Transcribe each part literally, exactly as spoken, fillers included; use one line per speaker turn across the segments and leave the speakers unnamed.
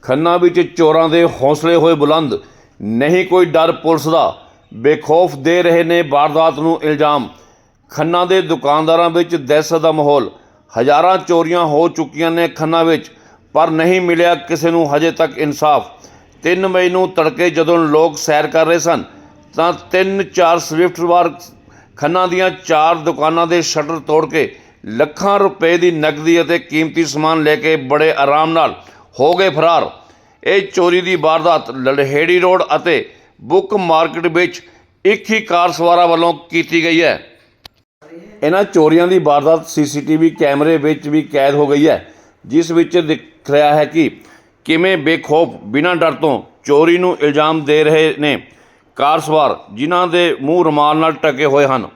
ਖੰਨਾ ਵਿੱਚ ਚੋਰਾਂ ਦੇ ਹੌਸਲੇ ਹੋਏ ਬੁਲੰਦ। ਨਹੀਂ ਕੋਈ ਡਰ ਪੁਲਿਸ ਦਾ, ਬੇਖੌਫ ਦੇ ਰਹੇ ਨੇ ਵਾਰਦਾਤ ਨੂੰ ਇਲਜ਼ਾਮ। ਖੰਨਾ ਦੇ ਦੁਕਾਨਦਾਰਾਂ ਵਿੱਚ ਦਹਿਸ਼ਤ ਦਾ ਮਾਹੌਲ। ਹਜ਼ਾਰਾਂ ਚੋਰੀਆਂ ਹੋ ਚੁੱਕੀਆਂ ਨੇ ਖੰਨਾ ਵਿੱਚ, ਪਰ ਨਹੀਂ ਮਿਲਿਆ ਕਿਸੇ ਨੂੰ ਹਜੇ ਤੱਕ ਇਨਸਾਫ। ਤਿੰਨ ਮਈ ਨੂੰ ਤੜਕੇ ਜਦੋਂ ਲੋਕ ਸੈਰ ਕਰ ਰਹੇ ਸਨ ਤਾਂ ਤਿੰਨ ਚਾਰ ਸਵਿਫਟ ਵਾਰ ਖੰਨਾ ਦੀਆਂ ਚਾਰ ਦੁਕਾਨਾਂ ਦੇ ਸ਼ਟਰ ਤੋੜ ਕੇ ਲੱਖਾਂ ਰੁਪਏ ਦੀ ਨਕਦੀ ਅਤੇ ਕੀਮਤੀ ਸਮਾਨ ਲੈ ਕੇ ਬੜੇ ਆਰਾਮ ਨਾਲ ਹੋ ਗਏ ਫਰਾਰ। ਇਹ ਚੋਰੀ ਦੀ ਵਾਰਦਾਤ ਲਲਹੇੜੀ ਰੋਡ ਅਤੇ ਬੁੱਕ ਮਾਰਕੀਟ ਵਿੱਚ ਇੱਕ ਹੀ ਕਾਰ ਸਵਾਰਾਂ ਵੱਲੋਂ ਕੀਤੀ ਗਈ ਹੈ। ਇਹਨਾਂ ਚੋਰੀਆਂ ਦੀ ਵਾਰਦਾਤ ਸੀਸੀਟੀਵੀ ਕੈਮਰੇ ਵਿੱਚ ਵੀ ਕੈਦ ਹੋ ਗਈ ਹੈ, ਜਿਸ ਵਿੱਚ ਦਿਖ ਰਿਹਾ ਹੈ ਕਿ ਕਿਵੇਂ ਬੇਖੌਫ ਬਿਨਾਂ ਡਰ ਤੋਂ ਚੋਰੀ ਨੂੰ ਇਲਜ਼ਾਮ ਦੇ ਰਹੇ ਨੇ ਕਾਰ ਸਵਾਰ, ਜਿਨ੍ਹਾਂ ਦੇ ਮੂੰਹ ਰੁਮਾਲ ਨਾਲ ਢਕੇ ਹੋਏ ਹਨ।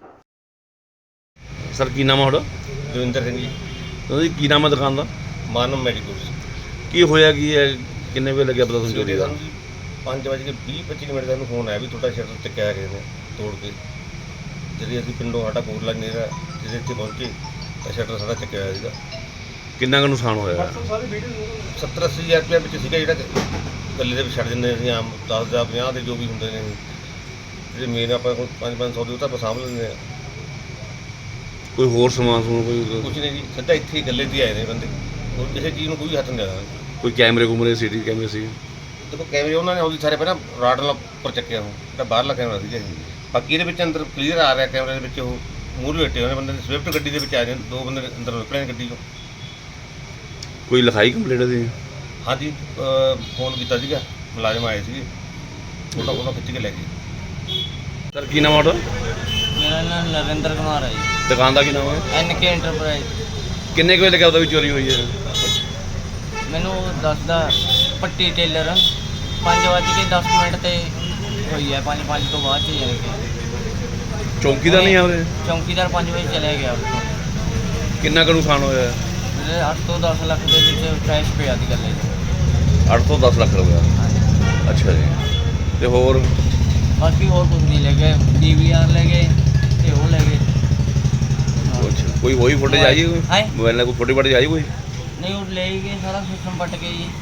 ਸਰ ਕੀ ਨਾਮ ਹੈ ਤੁਹਾਡਾ?
ਦਵਿੰਦਰ ਸਿੰਘ ਜੀ।
ਤੁਸੀਂ ਕੀ ਨਾਮ ਹੈ ਦੁਕਾਨ ਦਾ?
ਮਾਨਵ ਮੈਡੀਕਲਸ।
ਕੀ ਹੋਇਆ ਕੀ ਹੈ, ਕਿੰਨੇ ਵਜੇ ਲੱਗਿਆ ਪਤਾ ਤੁਹਾਨੂੰ ਚੋਰੀ ਦਾ?
ਪੰਜ ਵਜੇ ਕੇ ਵੀਹ ਪੱਚੀ ਮਿੰਟ ਦਾ ਨੂੰ ਫੋਨ ਆਇਆ ਵੀ ਤੁਹਾਡਾ ਸ਼ਟਰ ਚੱਕਿਆ ਗਏ ਨੇ ਤੋੜ ਕੇ। ਜਦੋਂ ਅਸੀਂ ਪਿੰਡੋਂ ਸਾਡਾ ਕੋਟਲਾ ਨੇੜਾ ਜਿਹਦੇ ਇੱਥੇ ਪਹੁੰਚੇ ਤਾਂ ਸ਼ਟਰ ਸਾਡਾ ਚੱਕਿਆ ਹੋਇਆ ਸੀਗਾ।
ਕਿੰਨਾ ਕੁ ਨੁਕਸਾਨ ਹੋਇਆ?
ਸੱਤਰ ਅੱਸੀ ਹਜ਼ਾਰ ਰੁਪਇਆ ਵਿੱਚ ਸੀਗਾ, ਜਿਹੜਾ ਗੱਲੇ ਦੇ ਵਿੱਚ ਛੱਡ ਦਿੰਦੇ ਅਸੀਂ ਆਮ ਦਸ ਹਜ਼ਾਰ ਪੰਜਾਹ ਦੇ ਜੋ ਵੀ ਹੁੰਦੇ ਨੇ, ਜਿਹੜੇ ਮੇਨ ਆਪਾਂ ਕੋਲ ਪੰਜ ਪੰਜ ਸੌ ਦੇ ਉਹ ਤਾਂ ਆਪਾਂ ਸਾਂਭ ਲੈਂਦੇ ਹਾਂ।
ਕੋਈ ਹੋਰ ਸਮਾਨ ਸਮੂਨ ਕੋਈ?
ਕੁਛ ਨਹੀਂ ਜੀ, ਸਿੱਧਾ ਇੱਥੇ ਹੀ ਗੱਲੇ 'ਤੇ ਹੀ ਆਏ ਨੇ ਬੰਦੇ, ਹੋਰ ਕਿਸੇ ਚੀਜ਼ ਨੂੰ ਕੋਈ ਹੱਥ ਨਹੀਂ ਲਾਇਆ।
ਕੋਈ ਕੈਮਰੇ ਕੁਮਰੇ ਸੀਟੀ ਕੈਮਰੇ ਸੀ?
ਦੇਖੋ ਕੈਮਰੇ ਉਹਨਾਂ ਨੇ ਉਹਦੀ ਸਾਰੇ ਪਹਿਲਾਂ ਰਾਡ ਨਾਲ ਉੱਪਰ ਚੱਕਿਆ ਉਹ ਜਿਹੜਾ ਬਾਹਰਲਾ ਕੈਮਰਾ ਸੀਗਾ ਜੀ। ਬਾਕੀ ਇਹਦੇ ਵਿੱਚ ਅੰਦਰ ਕਲੀਅਰ ਆ ਰਿਹਾ ਕੈਮਰੇ ਦੇ ਵਿੱਚ ਉਹ ਮੂਹਰੇ ਬੈਠੇ ਹੋਏ ਬੰਦੇ ਸਵਿਫਟ ਗੱਡੀ ਦੇ ਵਿੱਚ ਆ ਰਹੇ ਦੋ ਬੰਦੇ ਅੰਦਰ ਨਿਕਲੇ ਨੇ ਗੱਡੀ 'ਚੋਂ।
ਕੋਈ ਲਿਖਾਈ ਕੰਪਲੇਂਟ ਦੀ?
ਹਾਂਜੀ, ਫੋਨ ਕੀਤਾ ਸੀਗਾ, ਮੁਲਾਜ਼ਮ ਆਏ ਸੀਗੇ, ਫੋਟੋ ਫੋਟੋ ਖਿੱਚ ਕੇ ਲੈ ਗਏ।
ਸਰ ਕੀ ਨਾਮ ਹੈ ਤੁਹਾਡਾ?
ਮੇਰਾ ਨਾਮ ਨਰਿੰਦਰ ਕੁਮਾਰ ਹੈ ਜੀ।
ਦੁਕਾਨ ਦਾ ਕੀ ਨਾਮ ਹੈ?
N K enterprise.
ਕਿੰਨੇ ਕੁ ਵਜੇ ਲੱਗਿਆ ਉਹਦਾ ਵੀ ਚੋਰੀ ਹੋਈ ਹੈ?
ਮੈਨੂੰ ਦੱਸਦਾ ਪੱਟੀ ਟੇਲਰ ਪੰਜ ਵੱਜ ਕੇ ਦਸ ਮਿੰਟ 'ਤੇ ਹੋਈ ਹੈ, ਪੰਜ ਪੰਜ ਤੋਂ ਬਾਅਦ 'ਚ ਜਾਣੀ ਕਿ।
ਚੌਂਕੀਦਾਰ ਨਹੀਂ ਆ ਉਹਦੇ?
ਚੌਂਕੀਦਾਰ ਪੰਜ ਵਜੇ ਚਲੇ ਗਿਆ ਉੱਥੋਂ।
ਕਿੰਨਾ ਕੁ ਨੁਕਸਾਨ ਹੋਇਆ?
ਮੇਰੇ ਅੱਠ ਤੋਂ ਦਸ ਲੱਖ ਦੇ ਵਿੱਚ ਕੈਸ਼ ਪਿਆ ਦੀ ਗੱਲੇ 'ਚ।
ਅੱਠ ਤੋਂ ਦਸ ਲੱਖ ਰੁਪਇਆ?
ਹਾਂਜੀ।
ਅੱਛਾ ਜੀ। ਤੇ ਹੋਰ?
ਬਾਕੀ ਹੋਰ ਕੁਝ ਨਹੀਂ ਲੈ ਗਏ, ਡੀ ਵੀ ਆਰ ਲੈ ਗਏ ਅਤੇ ਉਹ ਲੈ ਗਏ।
ਅੱਛਾ, ਕੋਈ ਹੋਈ ਫੁਟੇਜ ਆਈ ਕੋਈ
ਹੈਂ?
ਮੋਬਾਈਲ ਨਾਲ ਕੋਈ ਫੋਟੋ ਫਾਟੇਜ ਆਈ ਕੋਈ?
ਨਹੀਂ, ਉਹ ਲੈ ਹੀ ਗਏ, ਸਾਰਾ ਸਿਸਟਮ ਪੱਟ ਗਏ ਜੀ।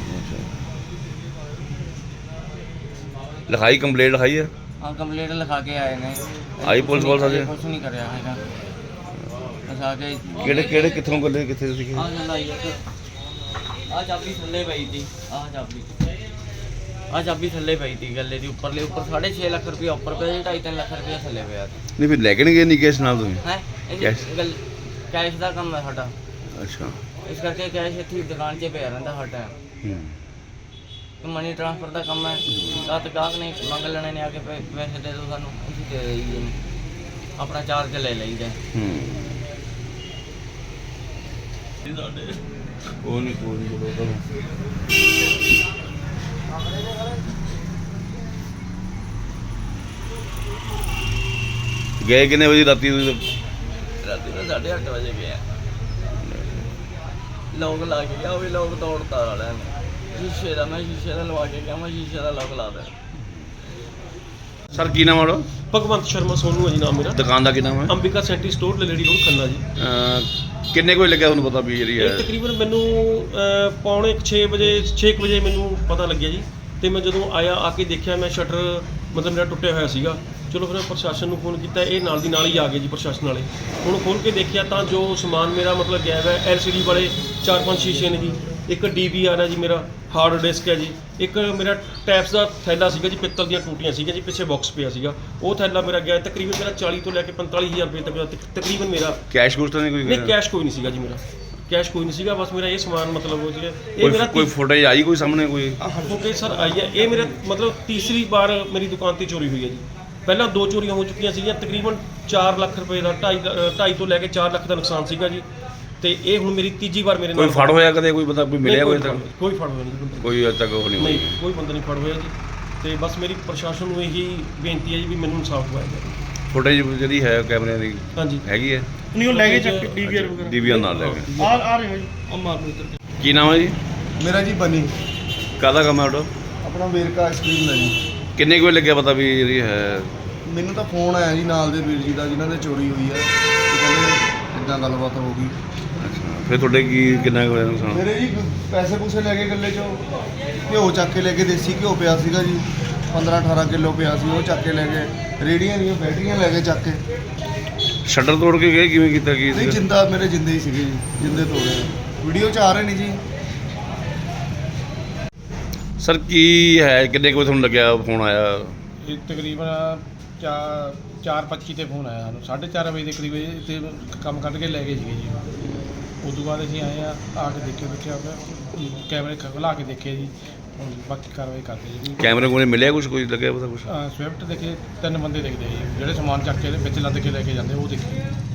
ਲਿਖਾਈ ਕੰਪਲੇਂਟ ਲਿਖਾਈ ਹੈ?
ਹਾਂ, ਕੰਪਲੀਟ ਲਿਖਾ ਕੇ ਆਏ ਨੇ।
ਆਈ ਪੁਲਿਸ ਵਾਲ ਸਾਡੇ?
ਕੁਛ ਨਹੀਂ ਕਰਿਆ ਹੈਗਾ। ਲਿਖਾ ਕੇ
ਕਿਹੜੇ ਕਿਹੜੇ ਕਿੱਥੋਂ ਗੱਲੇ ਕਿੱਥੇ ਸੀਗੇ?
ਆਹ ਗੱਲ ਆਈ ਇੱਕ ਆਹ ਚਾਬੀ ਥੱਲੇ ਪਈ ਸੀ। ਆਹ ਚਾਬੀ ਆਹ ਚਾਬੀ ਥੱਲੇ ਪਈ ਸੀ ਗੱਲੇ ਦੀ ਉੱਪਰਲੇ ਉੱਪਰ ਸਾਢੇ ਛੇ ਲੱਖ ਰੁਪਇਆ ਉੱਪਰ ਪਿਆ ਸੀ, ਢਾਈ ਤਿੰਨ ਲੱਖ ਰੁਪਇਆ ਥੱਲੇ ਪਿਆ ਸੀ।
ਨਹੀਂ ਫਿਰ ਲੈ ਕੇ ਨਹੀਂ ਗਏ ਨਹੀਂ ਕੈਸ਼ ਨਾਲ ਤੁਸੀਂ?
ਹੈ
ਕੈਸ਼?
ਗੱਲ ਕੈਸ਼ ਦਾ ਕੰਮ ਹੈ ਸਾਡਾ,
ਅੱਛਾ।
ਇਸ ਕਰਕੇ ਕੈਸ਼ ਇੱਥੇ ਦੁਕਾਨ 'ਚ ਪਿਆ ਰਹਿੰਦਾ ਹਰ ਟਾਈਮ। ਮਨੀ ਟ੍ਰਾਂਸਫਰ ਦਾ ਕੰਮ ਹੈ। ਰਾਤ ਗਾਹਕ ਨੇ ਮੰਗ ਲੈਣੇ ਨੇ ਆ ਕੇ ਪੈ- ਪੈਸੇ ਦੇ ਦਿਓ ਸਾਨੂੰ, ਅਸੀਂ ਦੇ ਦੇਈਏ, ਆਪਣਾ ਚਾਰਜ ਲੈ ਲਈਦਾ।
ਉਹ ਨਹੀਂ ਕੋਈ ਨਹੀਂ ਬੋਲੋ। ਗਏ ਕਿੰਨੇ ਵਜੇ ਰਾਤੀ ਤੁਸੀਂ?
ਰਾਤੀ ਮੈਂ ਸਾਢੇ ਅੱਠ ਵਜੇ ਗਿਆ। ਲੋਕ ਲਾ ਕੇ ਗਿਆ, ਉਹ ਵੀ ਲੋਕ ਤੋੜਤਾ ਵਾਲਿਆਂ ਨੇ। ਸ਼ੀਸ਼ੇ ਦਾ ਮੈਂ ਸ਼ੀਸ਼ੇ ਦਾ ਲਵਾ ਕੇ ਗਿਆ, ਮੈਂ ਸ਼ੀਸ਼ੇ ਦਾ ਲੋਕ ਲਾ ਦਿੱਤਾ।
ਸਰ ਕੀ ਨਾਮ ਹੈ ਤੁਹਾਡਾ?
ਭਗਵੰਤ ਸ਼ਰਮਾ ਸੋਨੂ ਹੈ ਜੀ ਨਾਮ ਮੇਰਾ।
ਦੁਕਾਨ ਦਾ ਕੀ ਨਾਮ ਹੈ?
ਅੰਬਿਕਾ ਸੈਂਟੀ ਸਟੋਰ ਲਲੇੜੀ ਰੋਡ ਖੰਨਾ ਜੀ।
ਅਹ ਕਿੰਨੇ ਕੁ ਵਜੇ ਲੱਗਿਆ ਤੁਹਾਨੂੰ ਪਤਾ ਵੀ ਜਿਹੜੀ
ਇਹ
ਹੈ?
ਤਕਰੀਬਨ ਮੈਨੂੰ ਅਹ, ਪੌਣੇ ਛੇ ਵਜੇ ਛੇ ਕੁ ਵਜੇ ਮੈਨੂੰ ਪਤਾ ਲੱਗਿਆ ਜੀ। ਤੇ ਮੈਂ ਜਦੋਂ ਆਇਆ ਆ ਕੇ ਦੇਖਿਆ ਮੈਂ ਸ਼ਟਰ ਮਤਲਬ ਮੇਰਾ ਟੁੱਟਿਆ ਹੋਇਆ ਸੀਗਾ। ਚਲੋ ਫਿਰ ਮੈਂ ਪ੍ਰਸ਼ਾਸਨ ਨੂੰ ਫੋਨ ਕੀਤਾ, ਇਹ ਨਾਲ ਦੀ ਨਾਲ ਹੀ ਆ ਗਏ ਜੀ ਪ੍ਰਸ਼ਾਸਨ ਵਾਲੇ। ਹੁਣ ਖੋਲ੍ਹ ਕੇ ਦੇਖਿਆ ਤਾਂ ਜੋ ਸਮਾਨ ਮੇਰਾ ਮਤਲਬ ਗਾਇਬ ਹੈ। ਐਲ ਸੀ ਡੀ ਵਾਲੇ ਚਾਰ ਪੰਜ ਸ਼ੀਸ਼ੇ ਨੇ ਜੀ, ਇੱਕ ਡੀ ਵੀ ਆਰ ਹੈ ਜੀ, ਮੇਰਾ ਹਾਰਡ ਡਿਸਕ ਹੈ ਜੀ, ਇੱਕ ਮੇਰਾ ਟੈਪਸ ਦਾ ਥੈਲਾ ਸੀਗਾ ਜੀ, ਪਿੱਤਲ ਦੀਆਂ ਟੂਟੀਆਂ ਸੀਗੀਆਂ ਜੀ, ਪਿੱਛੇ ਬਾਕਸ ਪਿਆ ਸੀਗਾ, ਉਹ ਥੈਲਾ ਮੇਰਾ ਗਿਆ। ਤਕਰੀਬਨ ਮੇਰਾ ਚਾਲੀ ਤੋਂ ਲੈ ਕੇ ਪੰਤਾਲੀ ਹਜ਼ਾਰ ਰੁਪਏ ਤੱਕ ਤਕਰੀਬਨ ਮੇਰਾ
ਕੈਸ਼ ਕੁਛ ਤਾਂ ਨਹੀਂ ਕੋਈ?
ਨਹੀਂ, ਕੈਸ਼ ਕੋਈ ਨਹੀਂ ਸੀਗਾ ਜੀ, ਮੇਰਾ ਕੈਸ਼ ਕੋਈ ਨਹੀਂ ਸੀਗਾ। ਬਸ ਮੇਰਾ ਇਹ ਸਮਾਨ ਮਤਲਬ ਉਹ ਸੀਗਾ। ਇਹ ਮੇਰਾ
ਕੋਈ ਫੁਟੇਜ ਆਈ ਕੋਈ ਸਾਹਮਣੇ ਕੋਈ?
ਓਕੇ ਸਰ, ਆਈ ਹੈ। ਇਹ ਮੇਰੇ ਮਤਲਬ ਤੀਸਰੀ ਵਾਰ ਮੇਰੀ ਦੁਕਾਨ ਤੇ ਚੋਰੀ ਹੋਈ ਹੈ ਜੀ। ਪਹਿਲਾਂ ਦੋ ਚੋਰੀਆਂ ਹੋ ਚੁੱਕੀਆਂ ਸੀਗੀਆਂ, ਤਕਰੀਬਨ ਚਾਰ ਲੱਖ ਰੁਪਏ ਦਾ, ਢਾਈ ਢਾਈ ਤੋਂ ਲੈ ਕੇ ਚਾਰ ਲੱਖ ਦਾ ਨੁਕਸਾਨ ਸੀਗਾ ਜੀ। ਤੇ ਇਹ ਹੁਣ ਮੇਰੀ ਤੀਜੀ ਵਾਰ ਮੇਰੇ ਨਾਲ।
ਕੋਈ ਫੜ ਹੋਇਆ ਕਦੇ? ਕੋਈ ਬੰਦਾ ਕੋਈ ਮਿਲਿਆ ਕੋਈ ਤੱਕ?
ਕੋਈ ਫੜ ਹੋਇਆ ਨਹੀਂ ਬੰਦਾ,
ਕੋਈ ਅਜੇ ਤੱਕ ਉਹ ਨਹੀਂ
ਨਹੀਂ
ਹੋਈ?
ਕੋਈ ਬੰਦਾ ਨਹੀਂ ਫੜ ਹੋਇਆ ਜੀ। ਤੇ ਬਸ ਮੇਰੀ ਪ੍ਰਸ਼ਾਸਨ ਨੂੰ ਇਹੀ ਬੇਨਤੀ ਹੈ ਜੀ ਵੀ ਮੈਨੂੰ ਇਨਸਾਫ ਦਿਵਾਇਆ ਜਾਵੇ।
ਫੁਟੇਜ ਜਿਹੜੀ ਹੈ ਕੈਮਰਿਆਂ ਦੀ
ਹਾਂਜੀ
ਹੈਗੀ ਹੈ?
ਨਹੀਂ, ਉਹ ਲੈ ਗਏ ਚੱਕ ਡੀ ਵੀ ਆਰ ਵਗੈਰਾ।
ਡੀ ਵੀ ਆਰ ਨਾਲ ਲੈ ਗਏ।
ਆ ਆ ਰਹੇ ਹੋ ਜੀ, ਆ ਮਾਰ ਲਓ ਇੱਧਰ।
ਕੀ ਨਾਮ ਹੈ ਜੀ?
ਮੇਰਾ ਜੀ ਬਨੀ।
ਕਾਹਦਾ ਕੰਮ ਹੈ ਤੁਹਾਡਾ?
ਆਪਣਾ ਵੇਰਕਾ ਆਈਸਕ੍ਰੀਮ ਦਾ ਜੀ।
ਕਿੰਨੇ ਕੁ ਵਜੇ ਲੱਗਿਆ ਪਤਾ ਵੀ ਜਿਹੜੀ ਹੈ?
ਮੈਨੂੰ ਤਾਂ ਫੋਨ ਆਇਆ ਜੀ ਨਾਲ ਦੇ ਵੀਰ ਜੀ ਦਾ, ਜਿਨ੍ਹਾਂ ਦੇ ਚੋਰੀ ਹੋਈ ਹੈ। ਤੇ ਕਹਿੰਦੇ ਇੱਦਾਂ ਗੱਲਬਾਤ ਹੋ ਗਈ।
ਅੱਛਾ। ਫਿਰ ਤੁਹਾਡੇ ਕੀ ਕਿੰਨਾ ਕੁ ਹੋਇਆ ਨੁਕਸਾਨ?
ਮੇਰੇ ਜੀ ਪੈਸੇ ਪੂਸੇ ਲੈ ਕੇ ਗੱਲੇ ਚੋਂ ਘਿਓ ਚੱਕ ਕੇ ਲੈ ਕੇ, ਦੇਸੀ ਘਿਓ ਪਿਆ ਸੀਗਾ ਜੀ ਪੰਦਰਾਂ ਅਠਾਰਾਂ ਕਿਲੋ ਪਿਆ ਸੀ, ਉਹ ਚੱਕ ਕੇ ਲੈ ਗਏ। ਰੇੜੀਆਂ ਦੀਆਂ ਬੈਟਰੀਆਂ ਲੈ ਕੇ ਚੱਕ ਕੇ।
ਸ਼ਟਰ ਤੋੜ ਕੇ ਗਏ, ਕਿਵੇਂ ਕੀਤਾ ਕੀ
ਨਹੀਂ,
ਸੀਗਾ?
ਜਿੰਦਾ ਮੇਰੇ ਜਿੰਦੇ ਹੀ ਸੀਗੇ ਜੀ, ਜਿੰਦੇ ਤੋੜੇ। ਵੀਡੀਓ 'ਚ ਆ ਰਹੇ ਨੇ ਜੀ।
ਸਰ ਕੀ ਹੈ, ਕਿੰਨੇ ਕੁ ਵਜੇ ਤੁਹਾਨੂੰ ਲੱਗਿਆ ਫੋਨ ਆਇਆ?
ਇਹ ਤਕਰੀਬਨ ਚਾਰ ਚਾਰ ਪੱਚੀ 'ਤੇ ਫੋਨ ਆਇਆ ਸਾਨੂੰ, ਸਾਢੇ ਚਾਰ ਵਜੇ ਦੇ ਕਰੀਬ ਇੱਥੇ ਕੰਮ ਕੱਢ ਕੇ ਲੈ ਗਏ ਸੀਗੇ ਜੀ। ਉਸ ਤੋਂ ਬਾਅਦ ਅਸੀਂ ਆਏ ਆ ਆ ਕੇ ਦੇਖਿਆ ਦੇਖਿਆ ਫਿਰ ਕੈਮਰੇ ਖੁਲਾ ਕੇ ਦੇਖੇ ਜੀ। ਹੁਣ ਬਾਕੀ ਕਾਰਵਾਈ ਕਰਦੇ ਜੀ।
ਕੈਮਰੇ ਕੋਲ ਮਿਲਿਆ ਕੁਝ, ਕੋਈ ਲੱਗਿਆ ਪਤਾ ਕੁਛ?
ਸਵਿਫਟ ਦੇਖੇ, ਤਿੰਨ ਬੰਦੇ ਦਿਖਦੇ ਜੀ ਜਿਹੜੇ ਸਮਾਨ ਚੱਕ ਕੇ ਵਿੱਚ ਲੱਦ ਕੇ ਲੈ ਕੇ ਜਾਂਦੇ ਉਹ ਦੇਖੇ।